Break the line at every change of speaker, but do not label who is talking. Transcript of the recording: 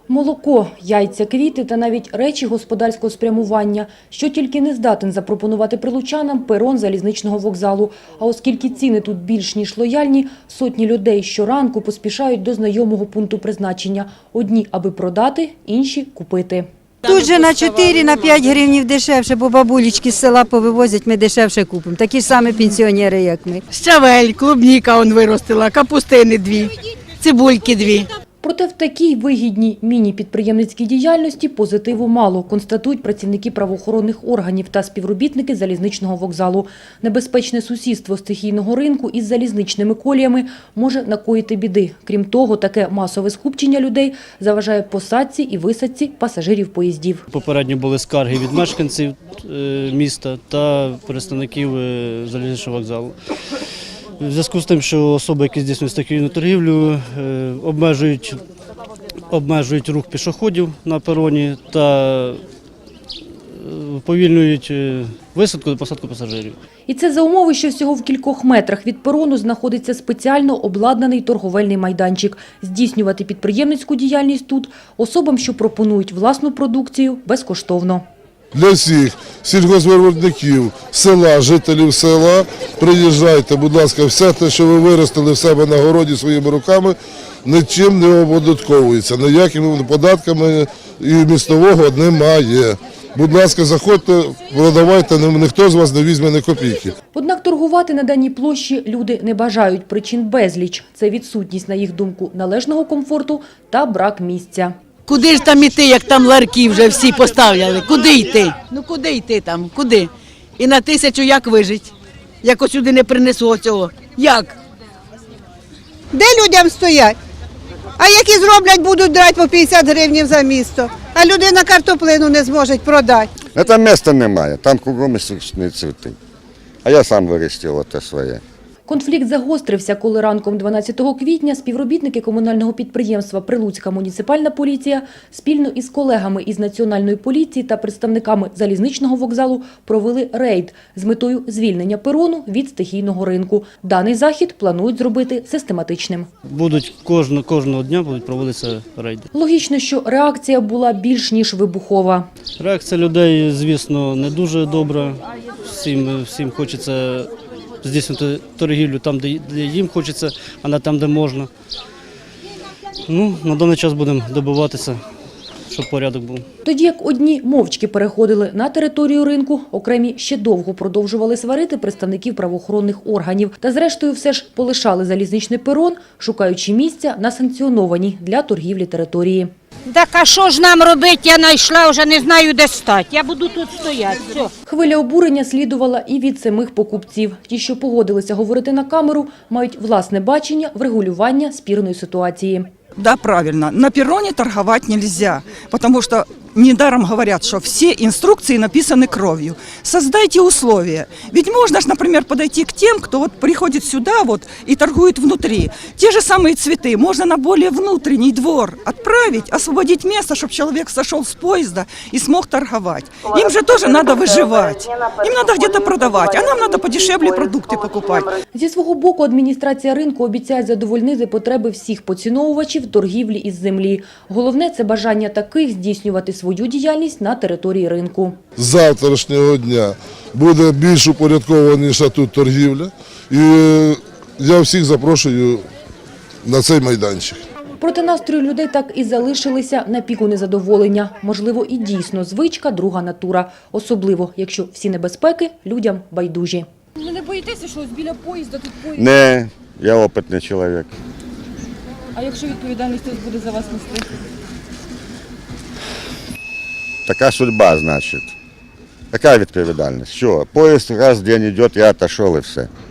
Молоко, яйця, квіти та навіть речі господарського спрямування, що тільки не здатен запропонувати прилучанам перон залізничного вокзалу. А оскільки ціни тут більш ніж лояльні, сотні людей щоранку поспішають до знайомого пункту призначення. Одні, аби продати, інші – купити.
Тут же на 4-5 гривнів дешевше, бо бабулечки з села повивозять, ми дешевше купимо. Такі ж самі пенсіонери, як ми.
Щавель, клубніка он виростила, капустини 2, цибульки 2.
Проте в такій вигідній міні-підприємницькій діяльності позитиву мало, констатують працівники правоохоронних органів та співробітники залізничного вокзалу. Небезпечне сусідство стихійного ринку із залізничними коліями може накоїти біди. Крім того, таке масове скупчення людей заважає посадці і висадці пасажирів поїздів.
Попередньо були скарги від мешканців міста та представників залізничного вокзалу. В зв'язку з тим, що особи, які здійснюють стихійну торгівлю, обмежують рух пішоходів на пероні та уповільнюють висадку та посадку пасажирів.
І це за умови, що всього в кількох метрах від перону знаходиться спеціально обладнаний торговельний майданчик. Здійснювати підприємницьку діяльність тут особам, що пропонують власну продукцію, безкоштовно.
Для всіх сільгоспвиробників села, жителів села, приїжджайте, будь ласка, все те, що ви виростили в себе на городі своїми руками, нічим не оподатковується, ніякими податками і містового немає. Будь ласка, заходьте, продавайте, ніхто з вас не візьме ні копійки.
Однак торгувати на даній площі люди не бажають, причин безліч. Це відсутність, на їх думку, належного комфорту та брак місця.
Куди ж там іти, як там ларки вже всі поставляли? Куди йти? Ну куди йти там? Куди? І на 1000 як вижить? Як ось сюди не принесу цього? Як?
Де людям стоять? А які зроблять, будуть брати по 50 гривень за місто. А людина картоплину не зможе продати.
Там місця немає, там кругом штучні цвіти. А я сам виростив те своє.
Конфлікт загострився, коли ранком 12 квітня співробітники комунального підприємства «Прилуцька муніципальна поліція» спільно із колегами із Національної поліції та представниками залізничного вокзалу провели рейд з метою звільнення перону від стихійного ринку. Даний захід планують зробити систематичним.
Кожного дня будуть проводитися рейди.
Логічно, що реакція була більш ніж вибухова.
Реакція людей, звісно, не дуже добра. Всім хочеться здійснювати торгівлю там, де їм хочеться, а не там, де можна. На даний час будемо добиватися, щоб порядок був.
Тоді як одні мовчки переходили на територію ринку, окремі ще довго продовжували сварити представників правоохоронних органів. Та зрештою все ж полишали залізничний перон, шукаючи місця на санкціонованій для торгівлі території.
Так а що ж нам робити? Я знайшла, вже не знаю, де стати. Я буду тут стояти. Все.
Хвиля обурення слідувала і від самих покупців. Ті, що погодилися говорити на камеру, мають власне бачення врегулювання спірної ситуації.
Да, правильно. На перроне торговать нельзя, потому что недаром говорят, что все инструкции написаны кровью. Создайте условия. Ведь можно же, например, подойти к тем, кто вот приходит сюда и торгует внутри. Те же самые цветы можно на более внутренний двор отправить, освободить место, чтобы человек сошел с поезда и смог торговать. Им же тоже надо выживать. Им надо где-то продавать, а нам надо подешевле продукты покупать.
Зі свого боку адміністрація ринку обіцяє задовольнити потреби всіх поціновувачів торгівлі із землі. Головне – це бажання таких здійснювати свою діяльність на території ринку.
З завтрашнього дня буде більш упорядкованіша тут торгівля. І я всіх запрошую на цей майданчик.
Проте настрої людей так і залишилися на піку незадоволення. Можливо, і дійсно звичка – друга натура. Особливо, якщо всі небезпеки людям байдужі.
Ви не боїтеся, що ось біля поїзда тут поїзд?
Не, я опитний чоловік.
А якщо відповідальність хтось буде за вас нести?
Така судьба, значить. Яка відповідальність? Що, поїзд раз в день йде, я отошов і все.